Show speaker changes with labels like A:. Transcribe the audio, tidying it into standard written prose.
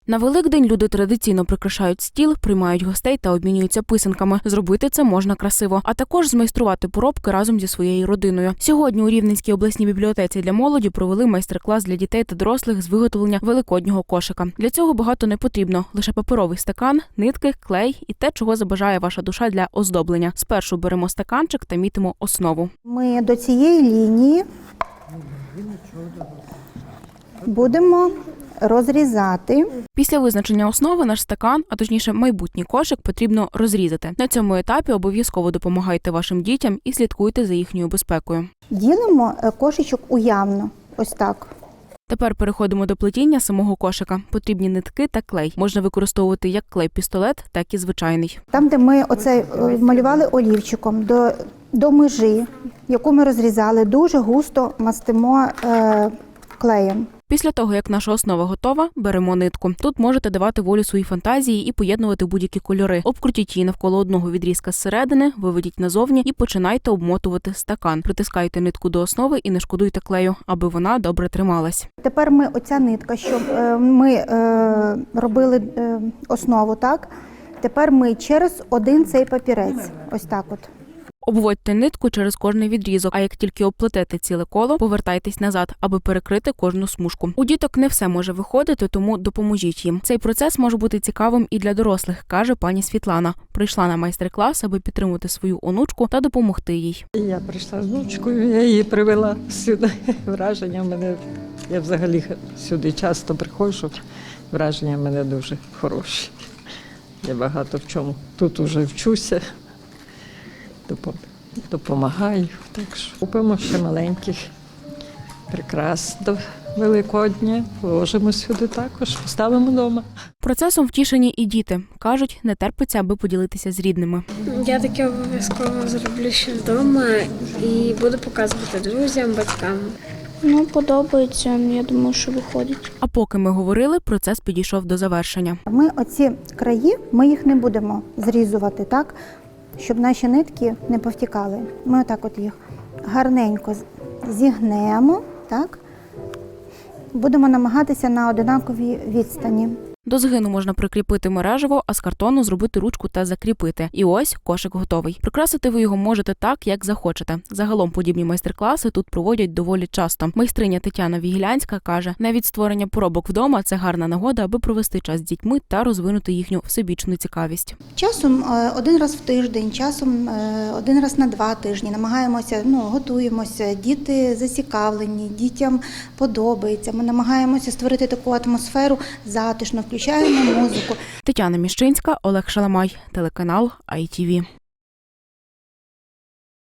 A: На Великдень люди традиційно прикрашають стіл, приймають гостей та обмінюються писанками. Зробити це можна красиво, а також змайструвати поробки разом зі своєю родиною. Сьогодні у Рівненській обласній бібліотеці для молоді провели майстер-клас для дітей та дорослих з виготовлення великоднього кошика. Для цього багато не потрібно – лише паперовий стакан, нитки, клей і те, чого забажає ваша душа для оздоблення. Спершу беремо стаканчик та мітимо основу.
B: Ми до цієї лінії будемо розрізати.
A: Після визначення основи наш стакан, а точніше майбутній кошик, потрібно розрізати. На цьому етапі обов'язково допомагайте вашим дітям і слідкуйте за їхньою безпекою.
B: Ділимо кошичок уявно, ось так.
A: Тепер переходимо до плетіння самого кошика. Потрібні нитки та клей. Можна використовувати як клей-пістолет, так і звичайний.
B: Там, де ми оце малювали олівчиком, до межі, яку ми розрізали, дуже густо мастимо клеєм.
A: Після того, як наша основа готова, беремо нитку. Тут можете давати волю своїй фантазії і поєднувати будь-які кольори. Обкрутіть її навколо одного відрізка зсередини, виведіть назовні і починайте обмотувати стакан. Притискайте нитку до основи і не шкодуйте клею, аби вона добре трималась.
B: Тепер ми оця нитка, що ми робили основу, так? Тепер ми через один цей папірець, ось так от.
A: Обводьте нитку через кожний відрізок, а як тільки обплетете ціле коло, повертайтесь назад, аби перекрити кожну смужку. У діток не все може виходити, тому допоможіть їм. Цей процес може бути цікавим і для дорослих, каже пані Світлана. Прийшла на майстер-клас, аби підтримати свою онучку та допомогти їй.
C: Я прийшла з внучкою, я її привела сюди. Враження в мене, я взагалі сюди часто приходжу, враження в мене дуже хороші. Я багато в чому тут уже вчуся. Допомагаю. Так що купимо ще маленьких прикрас до Великодня, вложимо сюди також, поставимо вдома.
A: Процесом втішені і діти. Кажуть, не терпиться, аби поділитися з рідними.
D: Я таке обов'язково зроблю ще вдома і буду показувати друзям, батькам.
E: Подобається, я думаю, що виходить.
A: А поки ми говорили, процес підійшов до завершення.
B: Ми оці краї, ми їх не будемо зрізувати, так? Щоб наші нитки не повтікали. Ми отак от їх гарненько зігнемо, так? Будемо намагатися на однаковій відстані.
A: До згину можна прикріпити мережево, а з картону зробити ручку та закріпити. І ось кошик готовий. Прикрасити ви його можете так, як захочете. Загалом подібні майстер-класи тут проводять доволі часто. Майстриня Тетяна Вігілянська каже, навіть створення поробок вдома – це гарна нагода, аби провести час з дітьми та розвинути їхню всебічну цікавість.
B: Часом один раз в тиждень, часом один раз на 2 тижні намагаємося, готуємося, діти зацікавлені, дітям подобається. Ми намагаємося створити таку атмосферу затишну, включаємо музику.
A: Тетяна Міщинська, Олег Шаламай, телеканал ITV.